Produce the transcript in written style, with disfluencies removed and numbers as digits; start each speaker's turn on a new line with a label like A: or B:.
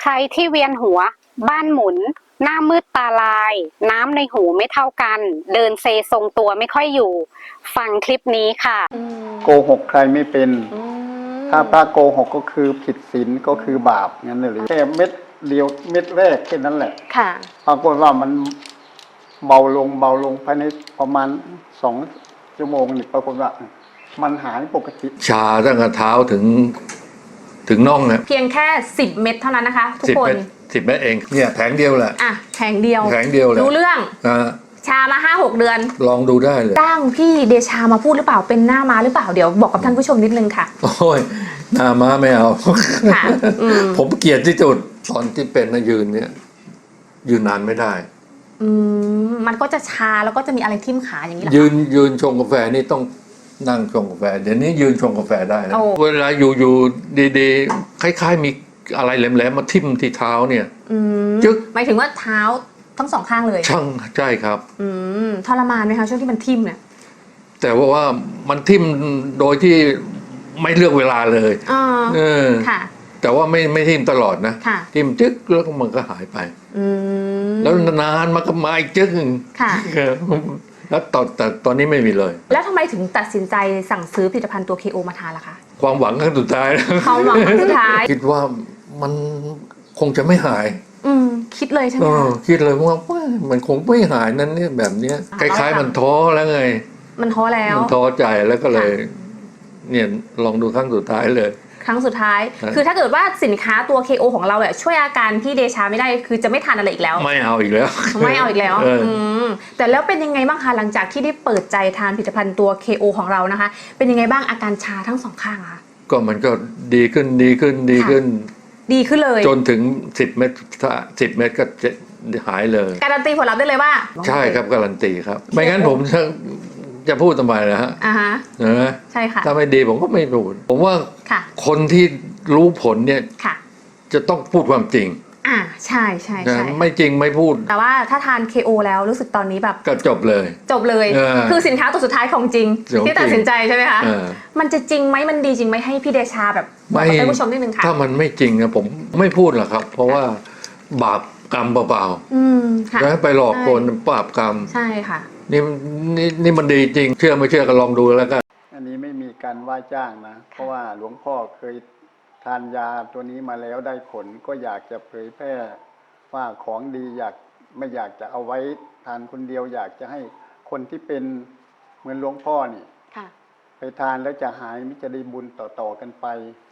A: ใครที่เวียนหัวบ้านหมุนหน้ามืดตาลายน้ำในหูไม่เท่ากันเดินเซทรงตัวไม่ค่อยอยู่ฟังคลิปนี้ค่ะ
B: โกหกใครไม่เป็นถ้าพระโกหกก็คือผิดศีลก็คือบาปงั้นเลยแค่เม็ดเดียวเม็ดแรกแค่นั้นแหละ
C: ค่ะ
B: ปรากฏว่ามันเบาลงภายในประมาณ2 ชั่วโมงนี่ปรากฏว่ามันหายปกติ
D: ชาตั้งแต่เท้าถึงน่องเนี่ย
C: เพียงแค่10 เม็ดเท่านั้นนะคะทุกคน
D: 10 เม็ดเองเนี่ยแผงเดียวแหละ
C: แผงเดียว
D: เลย
C: รู้เรื่องชามา 5-6 เดือน
D: ลองดูได้เลย
C: จ้างพี่เดชามาพูดหรือเปล่าเป็นหน้าม้าหรือเปล่าเดี๋ยวบอกกับท่านผู้ชมนิดนึงค่ะ
D: โอ้ยหน้าม้าไม่เอาผมเกลียดที่สุดตอนที่เป็นนะยืนเนี่ยยืนนานไม่ได้
C: มันก็จะชาแล้วก็จะมีอะไรทิ่มขาอย่างนี้แหละ
D: ยืนชงกาแฟนี่ต้องนั่งชงกาแฟเดี๋ยวนี้ยืนชงกาแฟได้แล้วเวลาอยู่ดีๆคล้ายๆมีอะไรแหลมๆมาทิ่มที่เท้าเนี่ย
C: จึ๊กหมายถึงว่าเท้าทั้ง2 ข้างเลย
D: ใช่ครับ
C: ทรมานไหมคะช่วงที่มันทิ่มเนี่ย
D: แต่ว่ามันทิ่มโดยที่ไม่เลือกเวลาเลย
C: ค่ะ
D: แต่ว่าไม่ทิ่มตลอดนะทิ่มจึ๊กแล้วมันก็หายไปแล้วนานมันก็มาอีกจึ๊กแล้วแต่ตอนนี้ไม่มีเลย
C: แล้วทำไมถึงตัดสินใจสั่งซื้อผลิตภัณฑ์ตัว KO มาทานล่ะคะ
D: ความหวังครั้งสุดท้าย
C: ความหวังครั้งสุดท้าย
D: คิดว่ามันคงจะไม่หาย
C: คิดเลยใช่ไหม
D: คิดเลยว่ามันคงไม่หายนั้นเนี่ยแบบนี้คล้ายๆมันท้อแล้วไง
C: มันท้อแล้ว
D: มันท้อใจแล้วก็เลยเนี่ยลองดูครั้งสุดท้ายเลย
C: ครั้งสุดท้ายคือถ้าเกิดว่าสินค้าตัว KO ของเราเนี่ยช่วยอาการพี่เดชาไม่ได้คือจะไม่ทานอะไรอีกแล้ว
D: ไม่เอาอีกแล้ว
C: ไม่เอาอีกแล้วแต่แล้วเป็นยังไงบ้างคะหลังจากที่ได้เปิดใจทานผลิตภัณฑ์ตัว KO ของเรานะคะเป็นยังไงบ้างอาการชาทั้ง2 ข้างคะ
D: ก็มันก็ดีขึ้นเลยจนถึง10 เม็ด10 เม็ดก็หายเลย
C: การันตีผลลัพธ์ได้เลยว่า
D: ใช่ครับการันตีครับไม่งั้นผมจะพูดทำไมนะฮะ
C: ใช่ค่ะ
D: ถ้าไม่ดีผมก็ไม่พูดผมว่าคนที่รู้ผลเนี่ยจะต้องพูดความจริง
C: ใช่
D: ไม่จริงไม่พูด
C: แต่ว่าถ้าทาน KO แล้วรู้สึกตอนนี้แบบ
D: ก็จบเลย
C: คือสินค้าตัวสุดท้ายของจริงที่ตัดสินใจใช่ไหมคะมันจะจริงไหมมันดีจริงไหมให้พี่เดชาแบบบอกกับท่านผู้ชมนิดนึงค่ะ
D: ถ้ามันไม่จริงนะผมไม่พูดหรอกครับเพราะว่าบาปกรรมเปล่าๆแล้วไปหลอกคนบาปกรรม
C: ใช่ค่ะ
D: นี่มันดีจริงเชื่อไม่เชื่อก็ลองดูแล้วกัน
B: อันนี้ไม่มีการว่าจ้างนะเพราะว่าหลวงพ่อเคยทานยาตัวนี้มาแล้วได้ผลก็อยากจะเผยแพร่ว่าของดีไม่อยากจะเอาไว้ทานคนเดียวอยากจะให้คนที่เป็นเหมือนหลวงพ่อนี่ไปทานแล้วจะหายมิจะได้บุญต่อๆกันไป